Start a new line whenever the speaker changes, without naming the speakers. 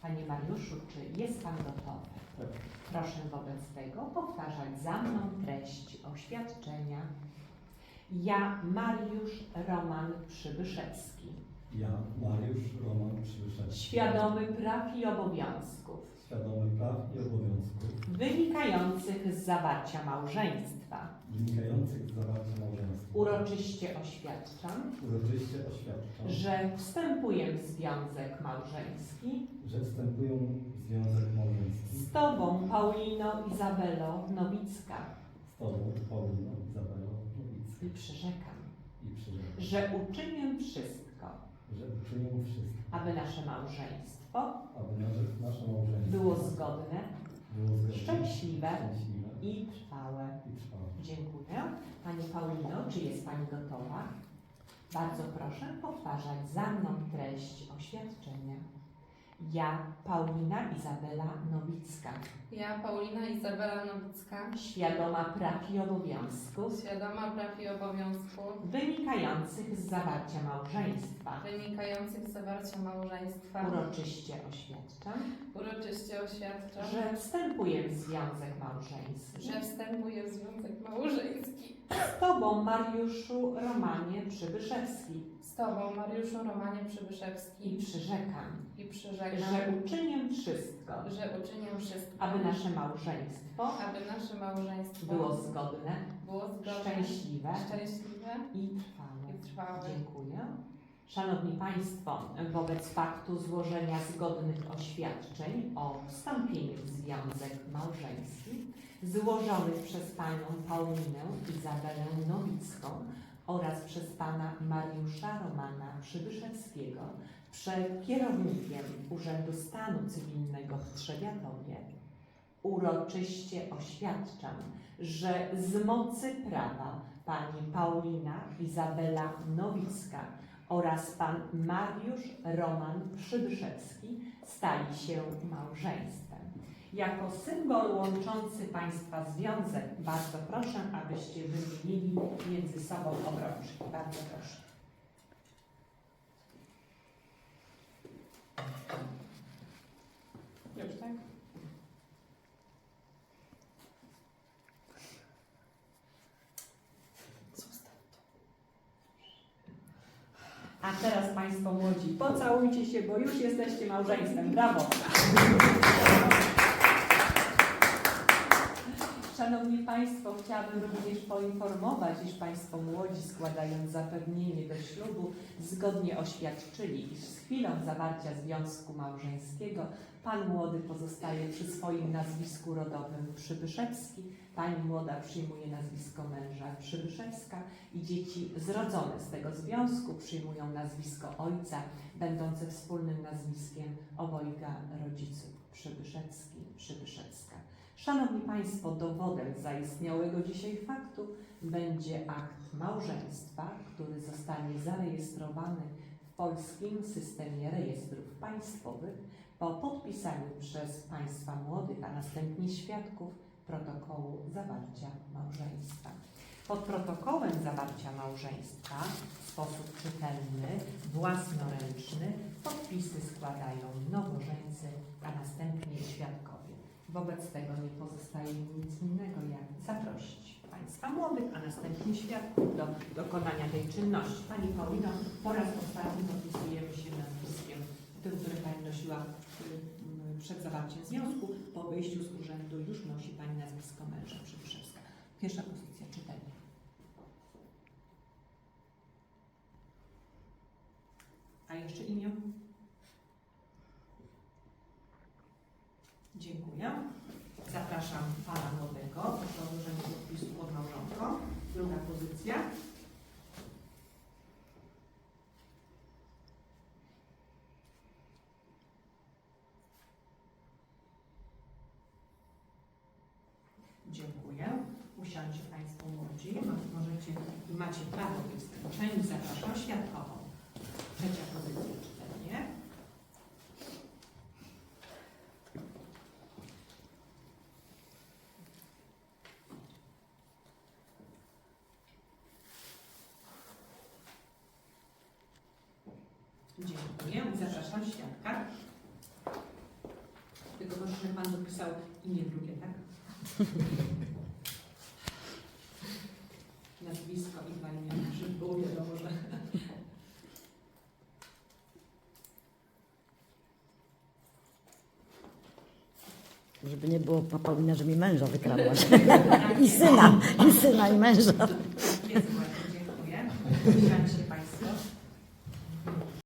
Panie Mariuszu, czy jest Pan gotowy?
Tak.
Proszę wobec tego powtarzać za mną treść oświadczenia. Ja, Mariusz Roman Przybyszewski,
Ja, Mariusz Roman Przybyszewski,
świadomy praw i obowiązków
świadomy praw i obowiązków
wynikających z zawarcia małżeństwa,
wynikających z zawarcia małżeństwa,
uroczyście oświadczam, że wstępuję w związek małżeński
że wstępuję w związek małżeński
z Tobą, Paulino Izabelo Nowicka,
z Tobą, Pauliną Izabelą Nowicką
i przyrzekam,
że
że uczynię wszystko,
uczynię wszystko,
aby nasze małżeństwo
aby nasze małżeństwo
było zgodne,
było zgodne,
szczęśliwe
szczęśliwe
i trwałe.
i trwałe.
Dziękuję. Pani Paulino, czy jest Pani gotowa? Bardzo proszę powtarzać za mną treść oświadczenia. Ja, Paulina Izabela Nowicka,
Ja, Paulina Izabela Nowicka,
świadoma praw i obowiązków
świadoma praw i obowiązków
wynikających z zawarcia małżeństwa,
wynikających z zawarcia małżeństwa, uroczyście oświadczam,
że wstępuję w związek małżeński
że wstępuję w związek małżeński
z Tobą, Mariuszu Romanie Przybyszewski,
z Tobą, Mariuszu Romanie
i
Przybyszewski,
przyrzekam,
i przyrzekam,
że uczynię wszystko,
że uczynię wszystko,
aby nasze małżeństwo było zgodne, szczęśliwe i trwałe. Dziękuję. Szanowni Państwo, wobec faktu złożenia zgodnych oświadczeń o wstąpieniu w związek małżeński złożonych przez Panią Paulinę Izabelę Nowicką oraz przez Pana Mariusza Romana Przybyszewskiego przed kierownikiem Urzędu Stanu Cywilnego w Trzebiatowie uroczyście oświadczam, że z mocy prawa Pani Paulina Izabela Nowicka oraz Pan Mariusz Roman Przybyszewski stali się małżeństwem. Jako symbol łączący Państwa związek bardzo proszę, abyście wymienili między sobą obrączki. Bardzo proszę. Już tak? A teraz Państwo młodzi, pocałujcie się, bo już jesteście małżeństwem. Brawo! Szanowni Państwo, chciałabym również poinformować, iż Państwo młodzi, składając zapewnienie do ślubu, zgodnie oświadczyli, iż z chwilą zawarcia związku małżeńskiego Pan młody pozostaje przy swoim nazwisku rodowym Przybyszewski, Pani młoda przyjmuje nazwisko męża Przybyszewska i dzieci zrodzone z tego związku przyjmują nazwisko ojca, będące wspólnym nazwiskiem obojga rodziców Przybyszewski, Przybyszewska. Szanowni Państwo, dowodem zaistniałego dzisiaj faktu będzie akt małżeństwa, który zostanie zarejestrowany w Polskim Systemie Rejestrów Państwowych po podpisaniu przez Państwa młodych, a następnie świadków protokołu zawarcia małżeństwa. Pod protokołem zawarcia małżeństwa w sposób czytelny, własnoręczny podpisy składają nowożeńcy, a następnie świadkowie. Wobec tego nie pozostaje mi nic innego, jak zaprosić Państwa młodych, a następnie świadków do dokonania tej czynności. Pani Paulino, po raz ostatni podpisujemy się nazwiskiem tym, które Pani nosiła przed zawarciem związku. Po wyjściu z urzędu już nosi Pani nazwisko męża Przybyszewska. Pierwsza pozycja, czytelnie. A jeszcze imię? Dziękuję. Zapraszam Pana młodego do złożenia podpisu pod małżonką. Druga pozycja. Dziękuję. Usiądźcie Państwo młodzi. Możecie i macie prawo być złączeni. Zapraszam świadkową. Trzecia pozycja, czytelnie. Dziękuję. Zapraszam świadka. że Pan dopisał imię drugie, tak? Nazwisko i dwa imiona, żeby było wiadomo, że...
Żeby nie było Paulina, że mi męża wykradłaś. I syna, i męża.
Jest właśnie, dziękuję. Usiądźcie